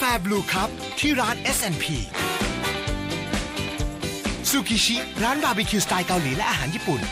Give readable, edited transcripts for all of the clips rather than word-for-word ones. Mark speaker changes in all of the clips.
Speaker 1: Blue Cup ที่ร้าน S&P ซูกิชิร้านบาร์บีคิวสไตล์เกาหลีและอาหารญี่ปุ่น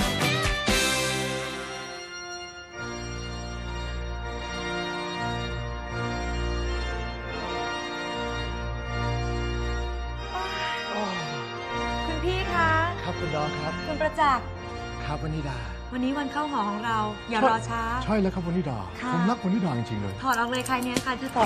Speaker 2: คุณพี่คะ
Speaker 3: ครับคุณดอครับ
Speaker 2: คุณประจักษ์
Speaker 3: ครับวนิดา
Speaker 2: วันนี้วันเข้าหอของเรา อย่ารอช้า
Speaker 3: ใช่แล้วครับวนิดา
Speaker 2: ค่ะ
Speaker 3: ผมรักวนิดาจริงๆเลย
Speaker 2: ถอดออกเลยค่ะเนี่ยค่ะที่ถอด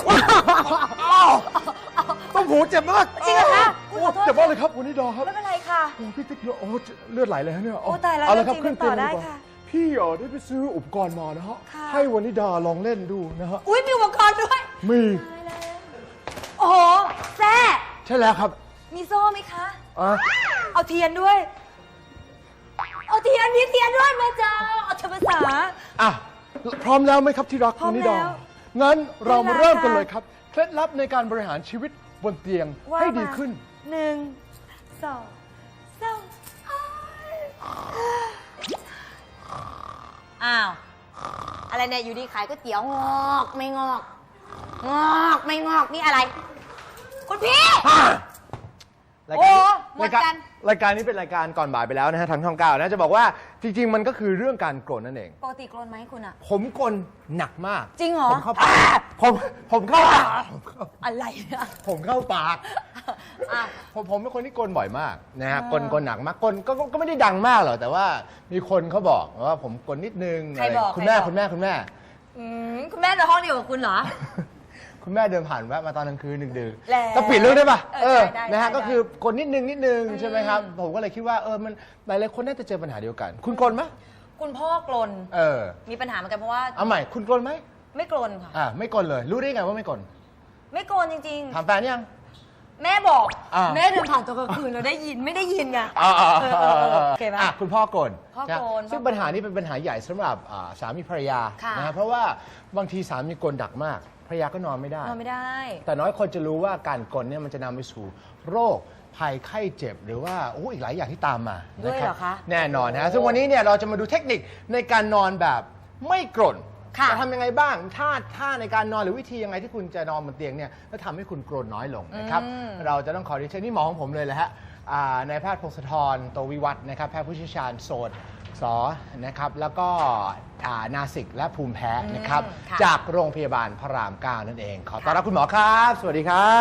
Speaker 3: ต้องหูเจ็บมาก
Speaker 2: จริงเหรอคะ
Speaker 3: โอ้เจ็บมากเลยครับวนิดาครับ
Speaker 2: ไม่เป็นไรค่ะ
Speaker 3: โอ้พี่ติ๊กโอ้เลือดไหลเลยฮะเนี่ย
Speaker 2: โอ้ตายแล้ว
Speaker 3: เอาละครับ
Speaker 2: จริงๆ
Speaker 3: ขึ้นเตียง
Speaker 2: ต่อได้
Speaker 3: ดีกว่า
Speaker 2: ค่ะ
Speaker 3: พี่ได้ไปซื้ออุปกรณ์มานะฮะ
Speaker 2: ค่ะ
Speaker 3: ให้วนิดาลองเล่นดูนะฮะ
Speaker 2: อุ้ยมีอุปกรณ์ด้วย
Speaker 3: มี
Speaker 2: โอ้โหแซ่
Speaker 3: ใช่แล้วครับ
Speaker 2: มีโซ่ไหมคะ
Speaker 3: อ่ะ
Speaker 2: เอาเทียนด้วย เอาเทียนมีเทียนด้วยแม่เจ้าเอาเทียนภาษา
Speaker 3: อ่ะพร้อมแล้วไหมครับที่รัก
Speaker 2: พร้อ
Speaker 3: ว
Speaker 2: ม
Speaker 3: นิดา
Speaker 2: แล้ว
Speaker 3: งั้นเรามา
Speaker 2: เวลา
Speaker 3: เริ่มกัน
Speaker 2: ค่ะ
Speaker 3: เลยครับเคล็ดลับในการบริหารชีวิตบนเตียง
Speaker 2: ว่า
Speaker 3: ให้ดี
Speaker 2: มา
Speaker 3: ขึ้น
Speaker 2: 1 2 3อ้าว อะไรเนี่ยอยู่ดีขายก๋วยเตี๋ยวงอกไม่งอก งอกไม่งอกนี่อะไร คุณพี่
Speaker 3: ราย
Speaker 2: โอ้
Speaker 3: การ
Speaker 2: หมดกัน
Speaker 3: รายการนี้เป็นรายการก่อนบ่ายไปแล้วนะฮะทางช่องเก้านะจะบอกว่าจริง ๆ มันก็คือเรื่องการโกรธนั่นเอง
Speaker 2: ปกติกรนไหมคุณอะ
Speaker 3: ผมกลหนักมาก
Speaker 2: จริงเหรอ
Speaker 3: ผมเข้าปากผมเข้าปาก
Speaker 2: อะไรเนี่ย
Speaker 3: ผมเข้าปาก
Speaker 2: อ่ะ
Speaker 3: ผมเป็นคนที่กลบ่อยมากนะฮะกลหนักมากกลก็ไม่ได้ดังมากหรอกแต่ว่ามีคนเขาบอกว่าผมกลนิดนึง
Speaker 2: ใครบอก
Speaker 3: คุณแม่
Speaker 2: ใครบอก
Speaker 3: คุณแม่คุณแม่
Speaker 2: คุณแม่ในห้องเดียวกับคุณเหรอ
Speaker 3: คุณแม่เดินผ่านแวะมาตอนกลางคืนดึก
Speaker 2: แล้ว
Speaker 3: ๆก็ปิดเรื่องได้ป่ะ
Speaker 2: ได้
Speaker 3: นะฮะ
Speaker 2: ได้
Speaker 3: ก็คือกลนิดนึงใช่ไหมครับผมก็เลยคิดว่ามันหลายๆคนน่าจะเจอปัญหาเดียวกัน คุณกลไหม
Speaker 2: คุณพ่อกลน
Speaker 3: อ
Speaker 2: มีปัญหาเหมือนกันเพราะว่า
Speaker 3: เอาใหม่คุณกลไหม
Speaker 2: ไม่กลนค่ะ
Speaker 3: ไม่กลเลย รู้ได้ไงว่าไม่กล
Speaker 2: ไม่กลนจริง
Speaker 3: ถามแฟนยัง
Speaker 2: ๆ แม่บอก
Speaker 3: อ่า
Speaker 2: แม่เดินผ่านตอนกลางคืนเราได้ยินไม่ได้ยินไง โอเคไหม
Speaker 3: คุณพ่อกล
Speaker 2: พ่อกล
Speaker 3: ซึ่งปัญหานี้เป็นปัญหาใหญ่สำหรับสามีภรรยา
Speaker 2: ค่ะ
Speaker 3: นะเพราะว่าบางทีสามีกลดักมากภรรยาก็นอนไม่ได้
Speaker 2: นอนไม่ได้
Speaker 3: แต่น้อยคนจะรู้ว่าการกลเนี่ยมันจะนำไปสู่โรคภัยไข้เจ็บ หรือว่าอีกหลายอย่างที่ตามมา
Speaker 2: ด้วยเหรอคะ
Speaker 3: แน่นอนนะซึ่งวันนี้เนี่ยเราจะมาดูเทคนิคในการนอนแบบไม่กรน
Speaker 2: ค่ะ
Speaker 3: จะทำยังไงบ้างท่าในการนอนหรือวิธียังไงที่คุณจะนอนบนเตียงเนี่ยแล้วทำให้คุณกรนน้อยลงนะครับเราจะต้องขอเรียนเชิญนี่หมอของผมเลยแหละฮะนายแพทย์พงศธรโตวิวัฒน์นะครับแพทย์ผู้เชี่ยวชาญโสตนะครับแล้วก็นาสิกและภูมิแพ้นะครับ
Speaker 2: ค่ะ
Speaker 3: จากโรงพยาบาลพระราม 9 นั่นเอง ขอต้อนรับคุณหมอครับ สวัสดีครับ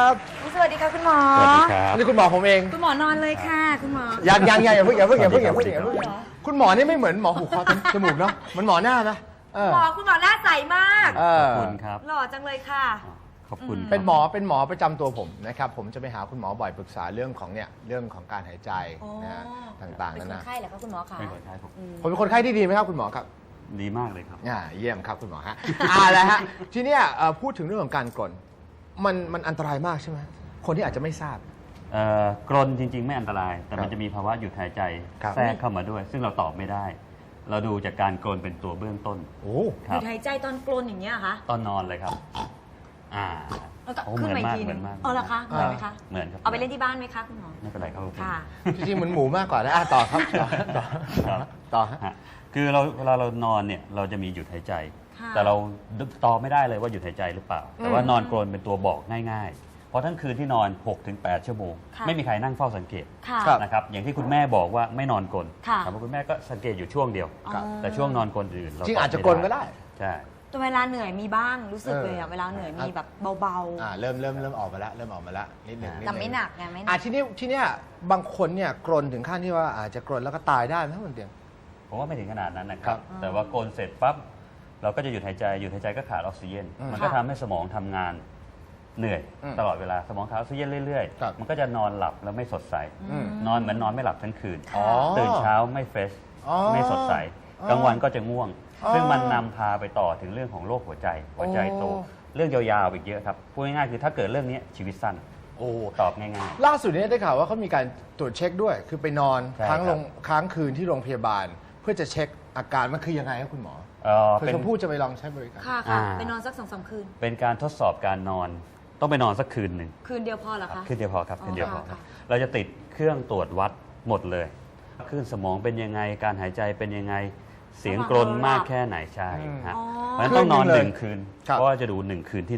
Speaker 2: สวัสดีค่ะคุณหมอ
Speaker 4: สวัสดีครับ
Speaker 3: นี่คุณหมอผมเอง
Speaker 2: คุณหมอนอนเลยค่ะ คุณหมอ
Speaker 3: ยังอย่าเพิ่ง
Speaker 2: เหรอ
Speaker 3: คุณหมอนี่ไม่เหมือนหมอหูคอจมูกเนาะเหมันหมอหน้านะ
Speaker 2: คุณหมอหน้าใสมาก
Speaker 3: เอ
Speaker 4: ข
Speaker 3: อ
Speaker 4: อบคุณครับ
Speaker 2: หล่อจังเลยค่ะ
Speaker 4: ขอบคุณครับ
Speaker 3: เป็นหมอประจำตัวผมนะครับผมจะไปหาคุณหมอบ่อยปรึกษาเรื่องของการหายใจนะฮะต่างๆ
Speaker 2: เป็
Speaker 3: นั่
Speaker 2: น
Speaker 3: น
Speaker 2: คน
Speaker 3: นะ
Speaker 2: ไข้เหรอคะคุณหมอคะ
Speaker 4: เป็นคนไข้ผม
Speaker 3: ผมเป็นคนไข้ที่ดีไหมครับคุณหมอครับ
Speaker 4: ดีมากเลยครับ
Speaker 3: เยี่ยมครับคุณหมอฮะแล้วฮะทีเนี้ยพูดถึงเรื่องของการกรนมันอันตรายมากใช่ไหมคนที่อาจจะไม่ทราบ
Speaker 4: กรนจริง ๆ ไม่อันตราย แต่มันจะมีภาวะหยุดหายใจ
Speaker 3: ครับ
Speaker 4: แทรกเข้ามาด้วย ซึ่งเราตอบไม่ได้ เราดูจากการกรนเป็นตัวเบื้องต้น
Speaker 3: โอ้
Speaker 4: ค
Speaker 2: ห
Speaker 4: รั
Speaker 2: ยุ
Speaker 4: บ
Speaker 2: ดหายใจตอนกลนอย่างเงี้ยเหรอคะ
Speaker 4: ตอนนอนเลยครับอ่า
Speaker 2: แล้วก็
Speaker 4: โอ้
Speaker 2: ขึ้น
Speaker 4: เหมื
Speaker 2: มา
Speaker 4: อน
Speaker 2: อีก
Speaker 4: มาก
Speaker 2: ที
Speaker 4: เห
Speaker 2: นึ
Speaker 4: มือง นมาก
Speaker 2: อ๋อเหรอคะเหมือนไหมคะ
Speaker 4: เหมือนครับ
Speaker 2: เอาไปเล่นที่บ้านไหมคะคุณหมอ
Speaker 4: ไม่เป็นไรครับผม
Speaker 2: ค่ะ
Speaker 3: จริงๆเหมือนหมูมากกว่านะต่อครับต่อ
Speaker 4: ครับ
Speaker 3: ต่อฮะ
Speaker 4: ฮะคือเวลาเรานอนเนี่ยเราจะมีหยุดหายใจ
Speaker 2: ค่ะ
Speaker 4: แต่เราตอบไม่ได้เลยว่าหยุดหายใจหรือเปล่า แต่ว่านอนกรนเป็นตัวบอกง่ายๆ เพราะทั้งคืนที่นอน 6-8 ชั่วโมง
Speaker 2: ค่ะ
Speaker 4: ไม่มีใครนั่งเฝ้าสังเกต
Speaker 2: ค่ะ
Speaker 3: ครับ
Speaker 4: นะครับอย่างที่คุณแม่บอกว่าไม่นอนกลน
Speaker 2: ค่ะ
Speaker 4: แต่ว่าคุณแม่ก็สังเกตอยู่ช่วงเดียว
Speaker 3: ครับ
Speaker 4: แต่ช่วงนอนกลนอื่นเรา
Speaker 3: จริง
Speaker 4: ตบ
Speaker 3: อาจจะ
Speaker 4: ไม่
Speaker 3: กลนก็ได้
Speaker 4: ใช่
Speaker 2: แต่เวลาเหนื่อยมีบ้างรู้สึกเลยอะเวลาเหนื่อยมีแบบเบา
Speaker 3: เริ่มออกมาแล้วนิดหนึ่ง
Speaker 2: ๆแต่ไม่หนักไงไม่หนั
Speaker 3: ทีเนี้ยบางคนเนี่ยกรนถึงขั้นที่ว่าอาจจะกรนแล้วก็ตายได้ไหมบนเตียง
Speaker 4: ผมว่าไม่ถึงขนาดนั้นนะค
Speaker 3: ครั
Speaker 4: รับ บ แต่ว่ากลนเสร็จปั๊บเราก็จะหยุดหายใจก็ขาดออกซิเจน มันก็ทำให้สมองทำงานเหนื่อย ตลอดเวลาสมองขาดออกซิเจนเรื่อย
Speaker 3: ครับ
Speaker 4: ๆ มันก็จะนอนหลับแล้วไม่สดใส นอนเหมือนนอนไม่หลับทั้งคืน
Speaker 3: อ๋อ
Speaker 4: ตื่นเช้าไม่เฟรช
Speaker 3: อ๋อ
Speaker 4: ไม่สดใส
Speaker 3: อ๋อ
Speaker 4: กลางวันก็จะง่วง
Speaker 3: อ๋อ
Speaker 4: ซึ่งมันนำพาไปต่อถึงเรื่องของโรคหัวใจโต เรื่องยาวๆอีกเยอะครับ พูดง่ายๆคือถ้าเกิดเรื่องนี้ชีวิตสั้น
Speaker 3: โอ้
Speaker 4: ตอบง่าย
Speaker 3: ล่าสุดนี้ได้ข่าวว่าเขามีการตรวจเช็คด้วย คือไปนอน
Speaker 4: ใช่ครับ
Speaker 3: ค้างคืนที่โรงพยาบาล เพื่อจะเช็คอาการมันคือยังไงครับคุณหมอ
Speaker 4: ๆ
Speaker 3: เพื่
Speaker 4: เป็น
Speaker 3: อชมพู่จะไปลองใช้บริการ
Speaker 2: ค่ะ
Speaker 4: อ่า
Speaker 2: ไปนอนสัก2-3 คืน
Speaker 4: เป็นการทดสอบการนอน ต้องไปนอนสักคืนหนึ่ง
Speaker 2: คืนเดียวพอเหรอคะ
Speaker 4: คืนเดียวพอครับ
Speaker 2: อ๋อ
Speaker 4: คืนเดียวพอครับ
Speaker 2: ค่ะ
Speaker 4: เราจะติดเครื่องตรวจวัดหมดเลยคลื่นสมองเป็นยังไงการหายใจเป็นยังไงเสียงกรนมากแค่ไหนใช่ฮะ
Speaker 2: อ๋อ
Speaker 4: เพราะฉะนั้นต้องนอน
Speaker 3: คืนหนึ่งเลย
Speaker 4: 1 คืน
Speaker 3: ครับ
Speaker 4: เพราะว่าจะดู1 คืนที่นอน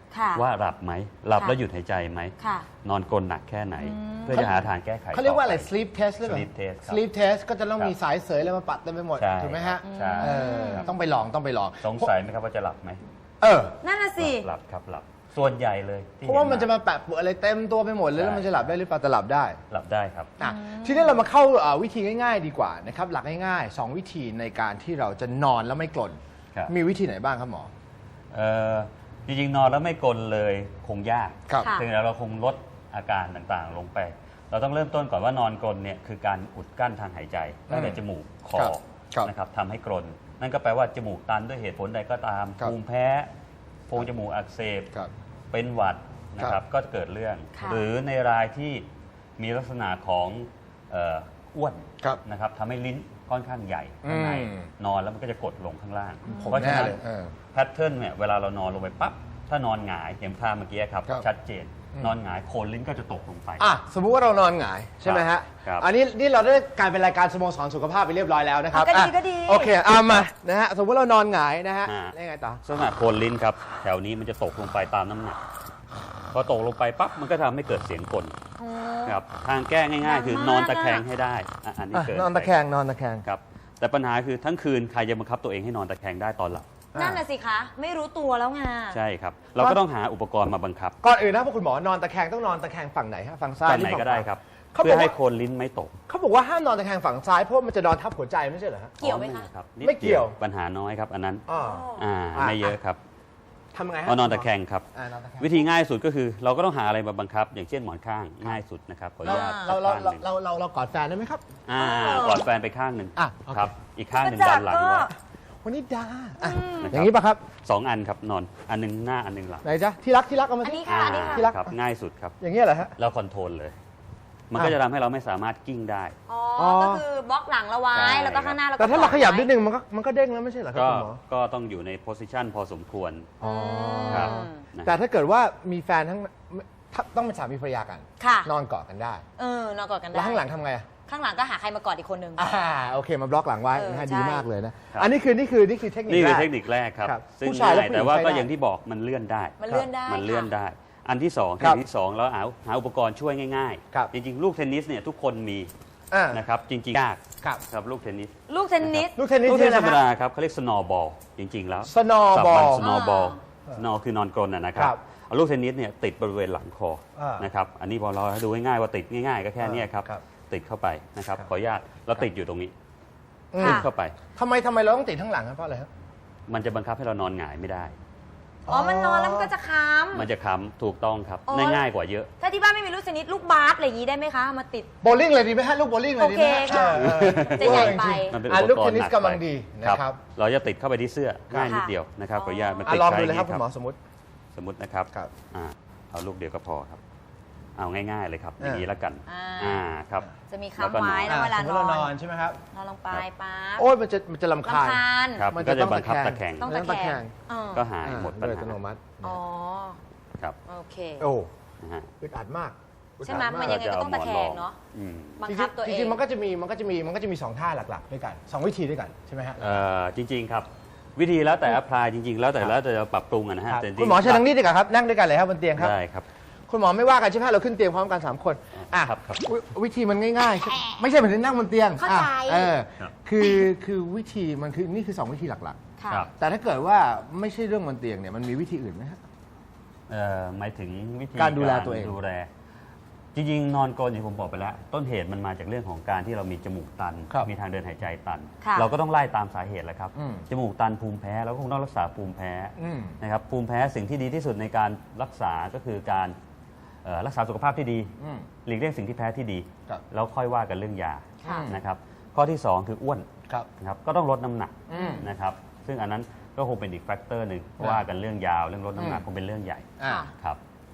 Speaker 2: ค่ะ
Speaker 4: ว่าหลับไหมหลับ
Speaker 2: ค่ะ
Speaker 4: แล้วหยุดหายใจไหม
Speaker 2: ค่ะ
Speaker 4: นอนกรนหนักแค่ไหน เพื่อจะหาทางแก้ไข
Speaker 3: เขาเรียกว่าอะไร
Speaker 4: ต่ป
Speaker 3: sleep test หรือเปล่า
Speaker 4: sleep test ครับ
Speaker 3: sleep test ก็จะต้อง
Speaker 4: ครับ
Speaker 3: มีสายเสยอะไรมาปัดเต็มไปหมด
Speaker 4: ใช่
Speaker 3: ถูกไหมฮะ
Speaker 4: ใช่
Speaker 3: ต้องไปลองต้องไปลอง
Speaker 4: สงสัยไหมครับว่าจะหลับไหม
Speaker 3: เออ
Speaker 2: นั่นน่ะสิ
Speaker 4: หลับครับหลับส่วนใหญ่เลยที่
Speaker 3: เพราะว่ามัน
Speaker 4: ห็
Speaker 3: จะมาแปะปะอะไรเต็มตัวไปหมดเลยแล้วมันจะหลับได้หรือเปล่าแต่หลับได้
Speaker 4: หลับได้ครับ
Speaker 3: อ่ะทีนี้เรามาเข้าวิธีง่ายๆดีกว่านะครับหลักง่ายๆ2วิธีในการที่เราจะนอนแล้วไม่กลน
Speaker 4: ครับ
Speaker 3: มีวิธีไหนบ้างครับหมอ
Speaker 4: จริงๆนอนแล้วไม่กลนเลยคงยาก
Speaker 3: ครับ
Speaker 2: ค่ะ
Speaker 4: ถึงแล้วเราคงลดอาการต่างๆลงไป เราต้องเริ่มต้นก่อนว่านอนกลนเนี่ยคือการอุดกั้นทางหายใจตั้งแต่จมูกคอ
Speaker 3: ครับ
Speaker 4: นะครับทำให้กรนนั่นก็แปลว่าจมูกตันด้วยเหตุผลใดก็ตาม
Speaker 3: ครับ
Speaker 4: ภูมิแพ้โพรงจมูกอักเสบ
Speaker 3: ครับ
Speaker 4: เป็นหวัดนะค
Speaker 3: ครั
Speaker 4: รับบ ก็เกิดเรื่อง
Speaker 2: ค่ะ
Speaker 4: หรือในรายที่มีลักษณะของอ้วน
Speaker 3: ครับ
Speaker 4: นะครับทำให้ลิ้นค่อนข้างใหญ่ข้างใน
Speaker 3: อืม
Speaker 4: นอนแล้วมันก็จะกดลงข้างล่าง
Speaker 3: ผม
Speaker 4: เพราะฉะ
Speaker 3: แน่
Speaker 4: นั้น
Speaker 3: เลย
Speaker 4: แพทเทิร์นเนี่ยเวลาเรานอนลงไปปั๊บถ้านอนหงายอย่างท่าเมื่อกี้ครับ
Speaker 3: ครับ
Speaker 4: ชัดเจน นอนหงายโคนลิ้นก็จะตกลงไป
Speaker 3: อ่ะสมมุติว่าเรานอนหงายใช่ไหมฮะ
Speaker 4: ครับ
Speaker 3: อันนี้นี่เราได้กลายเป็นรายการสโมสรสุขภาพไปเรียบร้อยแล้วนะครับ
Speaker 2: ก็ดี
Speaker 3: อ่ะ
Speaker 2: ก็ดี
Speaker 3: โอเคเอามานะฮะสมมติเรานอนหงายนะฮะ
Speaker 4: อ่า
Speaker 3: แล้วยังไงต่อ
Speaker 4: ลักษณะโคนลิ้นครับแถวนี้มันจะตกลงไปตามน้ำหนักพอตกลงไปปั๊บมันก็ทำให้เกิดเสียงกล
Speaker 2: โอ้
Speaker 4: ครับทางแก้ง่าย ๆ คือนอนตะแคง
Speaker 2: มากอะ
Speaker 4: ให้ได้อันนี้
Speaker 3: อ่ะ
Speaker 4: เกิด
Speaker 3: นอนตะแคงนอนตะแคง
Speaker 4: ครับแต่ปัญหาคือทั้งคืนใครจะบังคับตัวเองให้นอนตะแคงได้ตอนหลับ
Speaker 2: นั่นน่ะสิคะ ไม่รู้ตัวแล้วไง
Speaker 4: ใช่ครับ เราก็ต้องหาอุปกรณ์มาบังคับ
Speaker 3: ก่อนอื่นนะพวกคุณหมอนอนตะแคงต้องนอนตะแคงฝั่งไหนฮะฝั่งซ้าย
Speaker 4: ฝั่งไหน
Speaker 3: รือ
Speaker 4: ก็ได้ครับ
Speaker 3: เขา
Speaker 4: เพื่
Speaker 3: บ
Speaker 4: อ
Speaker 3: อก
Speaker 4: ให้
Speaker 3: ว่า
Speaker 4: โคนลิ้นไม่ตก
Speaker 3: เขาบอกว่าห้ามนอนตะแคงฝั่งซ้ายเพราะมันจะนอนทับหัวใจไม่ใช่เหรอฮะ
Speaker 2: เกี่ยวไหมคะ
Speaker 4: ครับ
Speaker 3: ไม่เกี่ยว
Speaker 4: ปัญหาน้อยครับอันนั้น
Speaker 3: อ๋อ
Speaker 4: ไม่เยอะครับ
Speaker 3: ทำยังไงฮะ
Speaker 4: เอานอนตะแคงครับ
Speaker 3: นอนตะแคง
Speaker 4: วิธีง่ายสุดก็คือเราก็ต้องหาอะไรมาบังคับ อย่างเช่นหมอนข้างง่ายสุดนะครับขออนุญาต
Speaker 3: เรา
Speaker 4: ข้างหนึ่ง
Speaker 3: เรากอดแฟนได้ไหมครับ
Speaker 4: กอดแฟนไปข้างหนึ่ง
Speaker 3: อ่ะโอเค
Speaker 4: ครับอีกข้างหนึ่งดันหลังไว้
Speaker 3: วันนี้ดาอ่ะ
Speaker 4: นะครับ
Speaker 3: อย่างนี้ป่ะครับ
Speaker 4: สองอันครับนอนอันหนึงหน้าอันหนึงหลัง
Speaker 3: ไหนจ๊ะที่รักเอามา
Speaker 2: อัน
Speaker 3: สิ
Speaker 2: นี้ค่ะ อันนี้ค่ะ
Speaker 3: ที่รัก
Speaker 4: ครับง่ายสุดครับ
Speaker 3: อย่างนี้ยเหรอฮะ
Speaker 4: แล้วคอนโทรลเลย มันก็จะทำให้เราไม่สามารถกิ้งได้
Speaker 2: อ๋อ
Speaker 3: อ๋อ
Speaker 2: ก็คือบล็อกหลังเราไว้
Speaker 4: ใช่
Speaker 2: แล้วก็ข้างหน้าเราก็
Speaker 3: แต่ถ้าเราขยับนิด
Speaker 2: นึง
Speaker 3: นึงมันก็เด้งแล้วไม่ใช่เหรอครับ
Speaker 4: ก็
Speaker 3: คุณหมอ
Speaker 4: ก็ต้องอยู่ในโพสิชันพอสมควร
Speaker 3: อ๋อ
Speaker 4: ครับนะ
Speaker 3: แต่ถ้าเกิดว่ามีแฟนทั้งต้องเป็นสามีภรรยากัน
Speaker 2: ค่ะ
Speaker 3: นอนกอดกันได้
Speaker 2: นอนกอดกันได้
Speaker 3: แล้วข้างหลังทำไงอ่ะ
Speaker 2: ข้างหลังก็หาใครมากอดอีกคนนึง
Speaker 3: โอเคมาบล็อกหลังไว้
Speaker 2: เออ
Speaker 3: นะฮะ
Speaker 2: ใช่
Speaker 3: ดีมากเลยนะครับ อันนี้คือเทคนิค
Speaker 4: นี่คือ
Speaker 3: แรก
Speaker 4: เทคนิคแรกครับ
Speaker 3: ครับ
Speaker 4: ซึ่ง
Speaker 3: ผู้ชายและ
Speaker 4: ง่าย
Speaker 3: ผู้หญิง
Speaker 4: แต่ว่า
Speaker 3: ใช้
Speaker 4: ก็
Speaker 3: ได้
Speaker 4: อย่างที่บอกมันเลื่อนได้
Speaker 2: มันเลื่อนได้
Speaker 4: มันเลื่อน
Speaker 2: ค่ะ
Speaker 4: ได้ อันที่สอง
Speaker 3: ครับ
Speaker 4: ที่สองเราหาอุปกรณ์ช่วยง่าย
Speaker 3: ครับ
Speaker 4: ๆ จริงๆ ลูกเทนนิสเนี่ยทุกคนมี
Speaker 3: อ่า
Speaker 4: นะครับจริงๆยาก
Speaker 3: ครับ
Speaker 4: ครับลูกเทนนิส
Speaker 2: ลูกเทนนิส
Speaker 3: ลูกเทนนิส
Speaker 4: ลูกเทนนิสธรรม
Speaker 3: นะ
Speaker 4: ดา
Speaker 3: ฮะ
Speaker 4: ครับเขาเรียก snowball จริง ๆ แล้ว
Speaker 3: snowball
Speaker 4: สโนว์บอลสโนว์คือนอนกลนนะครั
Speaker 3: ครับ บ
Speaker 4: เอาลูกเทนนิสเนี่ยติดบริเวณหลังคอ
Speaker 3: อ่าน
Speaker 4: นะครับอันนี้พอเราดูง่ายๆว่าติดง่ายๆก็แค่เนี้ยครับ
Speaker 3: ครับ
Speaker 4: ติดเข้าไปนะครับ
Speaker 3: ครับ
Speaker 4: ขออนุญาตเราติดอยู่ตรงนี้
Speaker 3: อืม
Speaker 4: ติดเข้าไป
Speaker 3: ทำไมเราต้องติดข้างหลังครับเพราะอะไรครับ
Speaker 4: มันจะบังคับให้เรานอนหงายไม่ได้
Speaker 2: อ๋อ มันนอนแล้วมันก็จะค้
Speaker 4: มันจะค้ำถูกต้องครับ
Speaker 2: อ๋อ
Speaker 4: ง่ายๆกว่าเยอะ
Speaker 2: ำถ้าที่บ้านไม่มีลูกเทนนิสลูกบาสอะไรอย่างนี้ได้ไหมคะเอามาติด
Speaker 3: โบลิ่งเลยดีไหมฮะลูกโบลิ่งเลยดีไหม
Speaker 2: โอเคค่ะ
Speaker 3: เออ
Speaker 2: จะใหญ่ไป
Speaker 4: มันเป็น
Speaker 3: อ่ะ
Speaker 4: อุป
Speaker 3: ลูก
Speaker 4: กร
Speaker 3: เท
Speaker 4: ณ์
Speaker 3: นนิ
Speaker 4: ห
Speaker 3: ส
Speaker 4: นัก
Speaker 3: กำลัง
Speaker 4: ไป
Speaker 3: ดีนะ
Speaker 4: ครับ
Speaker 3: ครับ
Speaker 4: เราจะติดเข้าไปที่เสื้อ
Speaker 3: ครับ
Speaker 4: ง่ายนิดเดียวนะครับขออนุญาตมัน
Speaker 3: อ่ะ
Speaker 4: ติด
Speaker 3: ลอง
Speaker 4: ใช้
Speaker 3: ดูเลยครับ
Speaker 4: นี่
Speaker 3: คุณหมอสมมติ
Speaker 4: สมมตินะครับ
Speaker 3: ครับ
Speaker 4: เอาลูกเดียวก็พอครับ เอาง่ายๆเลยครับอย่างนี้แล้วกัน
Speaker 2: อ่า
Speaker 4: ครับ
Speaker 2: จะมี
Speaker 4: แล้วก็
Speaker 2: ค้ำไว้
Speaker 4: นอน
Speaker 2: แล้วเวลา
Speaker 3: สมม
Speaker 2: น
Speaker 3: ติเราน
Speaker 2: อ
Speaker 3: อน
Speaker 2: น
Speaker 3: ใช่ไหมครับ
Speaker 2: นอนลงไปปั๊บ
Speaker 3: โอ้ยมันจะลำคาญ
Speaker 2: รำคาญ
Speaker 4: ครับ
Speaker 3: มัน
Speaker 4: ก็
Speaker 3: จะ
Speaker 4: จะ
Speaker 3: ต้อง
Speaker 4: บังคับ
Speaker 3: ตะ
Speaker 4: ตะ
Speaker 3: แค
Speaker 4: แค
Speaker 3: ง
Speaker 4: ง
Speaker 2: ต้อง
Speaker 3: ต้
Speaker 2: ตะ
Speaker 3: อง
Speaker 2: แค
Speaker 3: ตะแค
Speaker 2: ง
Speaker 3: ง
Speaker 4: ก็หายหมดปัญ
Speaker 3: โดยอั
Speaker 4: หา
Speaker 3: ตโนมัติ
Speaker 2: อ๋อ
Speaker 4: ครับ
Speaker 2: โอเค
Speaker 3: โอ้
Speaker 4: นะฮะ
Speaker 3: อึดอัดมากอึด
Speaker 2: ใช่
Speaker 3: อัด
Speaker 2: ไหม
Speaker 3: มาก
Speaker 2: มันยังไงก็ต้องตะแคงเนาะ
Speaker 4: อืม
Speaker 2: บังคับตัวเอง
Speaker 3: จริงๆมันก็จะมีสองท่าหลักๆด้วยกันสองวิธีด้วยกันใช่ไหมฮะ
Speaker 4: จริง ๆ ครับ วิธีแล้วแต่อพลายจริง ๆ แล้วแต่เราปรับปรุงอะนะฮะ
Speaker 3: ครับ
Speaker 4: แต่จริงๆ
Speaker 3: คุณหมอเชิญทางนี้ดีกว่าครับนั่งด้วยกันเลยครับบนเตียงครับ
Speaker 4: ได้ครับ
Speaker 3: คุณหมอไม่ว่ากันใช่ไหมเราขึ้นเตียงพร้อมกัน3คนอ่ะ
Speaker 4: ครับครับ
Speaker 3: วิธีมันง่ายๆ ไม่ใช่เหมือนนั่งบนเตียง
Speaker 2: เข้าใจ
Speaker 3: อ่ะ
Speaker 4: ครับ
Speaker 3: คือวิธีมันคือนี่คือ2วิธีหลัก
Speaker 2: ค่ะ
Speaker 4: ครับ
Speaker 3: ๆ แต่ถ้าเกิดว่าไม่ใช่เรื่องบนเตียงเนี่ยมันมีวิธีอื่นไหมฮะ
Speaker 4: หมายถึงวิธี
Speaker 3: การดูแลตัวเอง
Speaker 4: ดูแลจริง ๆ นอนกรนอย่างผมบอกไปแล้ว ต้นเหตุมันมาจากเรื่องของการที่เรามีจมูกตัน
Speaker 3: ครับ
Speaker 4: มีทางเดินหายใจตัน
Speaker 2: ค่ะ
Speaker 4: เราก็ต้องไล่ตามสาเหตุแหละครับ
Speaker 3: อืม
Speaker 4: จมูกตันภูมิแพ้เราก็คงต้องรักษาภูมิแพ้
Speaker 3: อืม
Speaker 4: นะครับภูมิแพ้สิ่งที่ดีที่สุดในการรักษาก็คือการรักษาสุขภาพที่ดี
Speaker 3: อืม
Speaker 4: หลีกเลี่ยงสิ่งที่แพ้ที่ดี
Speaker 3: ครับ
Speaker 4: แล้วค่อยว่ากันเรื่องยา
Speaker 2: ค่ะ
Speaker 4: นะครับข้อที่ 2 คืออ้วน
Speaker 3: ครับ
Speaker 4: นะครับก็ต้องลดน้ำหนัก
Speaker 3: อืม
Speaker 4: นะครับซึ่งอันนั้นก็คงเป็นอีกแฟกเตอร์หนึ่ง
Speaker 3: ครับ
Speaker 4: ว่ากันเรื่องยาวเรื่องลดน้ำหนัก
Speaker 3: อืม
Speaker 4: คงเป็นเรื่องใหญ่
Speaker 3: อ่า
Speaker 4: ครับ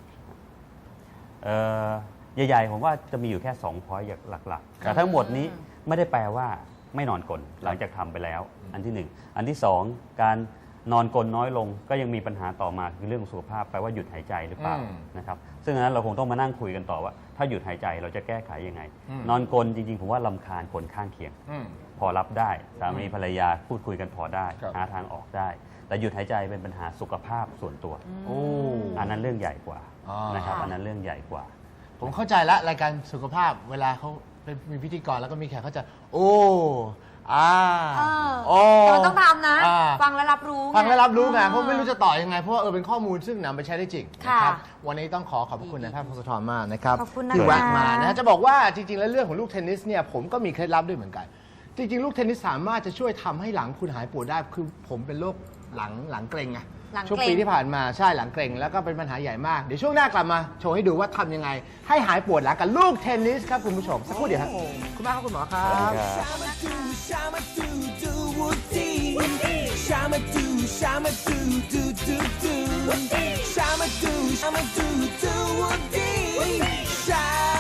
Speaker 4: ใหญ่ๆผมว่าจะมีอยู่แค่2 พอยต์หลักๆ แต่ทั้งหมดนี้ไม่ได้แปลว่าไม่นอนกลนหลังจากทำไปแล้ว อันที่ 1 อันที่ 2 การนอนกลนน้อยลง ก็ยังมีปัญหาต่อมาคือเรื่องของสุขภาพแปลว่าหยุดหายใจหรือเปล่า
Speaker 3: อืม
Speaker 4: นะครับซึ่งอันนั้นเราคงต้องมานั่งคุยกันต่อว่า ถ้าหยุดหายใจเราจะแก้ไขยังไง
Speaker 3: อืม
Speaker 4: นอนกลนจริงๆผมว่าลำคาญคนข้างเคียง
Speaker 3: อืม
Speaker 4: พอรับได้สามีภรรยาพูดคุยกันพอได้
Speaker 3: ครับ
Speaker 4: หาทางออกได้แต่หยุดหายใจเป็นปัญหาสุขภาพส่วนตัว
Speaker 3: โอ้
Speaker 4: อันนั้นเรื่องใหญ่กว่า
Speaker 3: อ๋อ
Speaker 4: นะครับอันนั้นเรื่องใหญ่กว่า
Speaker 3: ผมเข้าใจละรายการสุขภาพเวลาเขาเป็นมีพิธีกรแล้วก็มีแขกเขาจะ โอ้โอ้
Speaker 2: เราต้องทำนะ
Speaker 3: อ่า
Speaker 2: ฟังและรับรู้
Speaker 3: ฟังและรับรู้ไง
Speaker 2: อ่า
Speaker 3: เพราะไม่รู้จะต่อยังไง เพราะว่าเป็นข้อมูลซึ่งนำไปใช้ได้จริง
Speaker 2: ค่ะ
Speaker 3: นะครับวันนี้ต้องขอบพระคุณนายแพทย์พงศธรมากนะครับ
Speaker 2: ขอบคุณนะคะ
Speaker 3: ที่แวะมานะฮะจะบอกว่าจริงๆแล้วเรื่องของลูกเทนนิสเนี่ยผมก็มีเคล็ดลับด้วยเหมือนกัน จริงๆ ลูกเทนนิสสามารถจะช่วยทำให้หลังคุณหายปวดได้คือผมเป็นโรคหลังเกร็งไง
Speaker 2: หลังเกร็ง
Speaker 3: ช่วงปีที่ผ่านมาใช่หลังเกร็งแล้วก็เป็นปัญหาใหญ่มากเดี๋ยวช่วงหน้ากลับมาโชว์ให้ดูว่าทำยังไง ให้หายปวดหลังกับลูกเทนนิสครับคุณผู้ชมสักครู่เดียวครับคุณมากครับคุณหมอครับ
Speaker 5: Shama do, shama do, do do do. Shama do, shama do, do do. Shama.